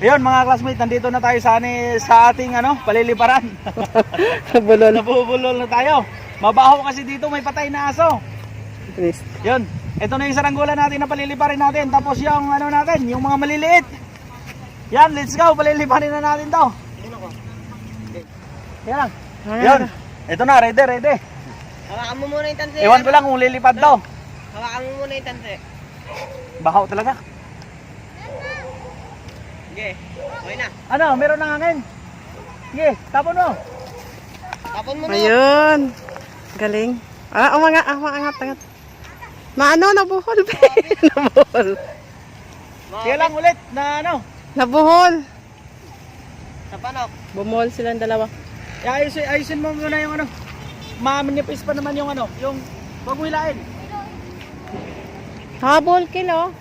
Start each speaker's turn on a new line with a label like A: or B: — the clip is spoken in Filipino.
A: Ayun mga classmates, nandito na tayo sa ating paliliparan.
B: Bulol.
A: Nabubulol na tayo. Mabaho kasi dito, may patay na aso.
B: Please.
A: Yun, ito na yung saranggola natin na paliliparin natin. Tapos yung natin, yung mga maliliit. Yan, let's go, paliliparin na natin to. Yan. Yun, ito na, ready.
C: Hawakan mo muna yung tanse.
A: Ewan ko lang kung lilipad daw.
C: Hawakan mo muna yung tanse.
A: Bahaw talaga.
C: Sige, okay na.
A: Meron ng hangin. Sige, tapon mo.
C: Tapon mo na.
B: Ayun. Galing. Angat. Nabuhol, be. Nabuhol.
A: Sige lang ulit na
B: Nabuhol.
C: Sa panok.
B: Bumuhol silang dalawa.
A: Ayusin mo muna yung mamanipis pa naman yung yung wag mo hilain.
B: Habol kilo.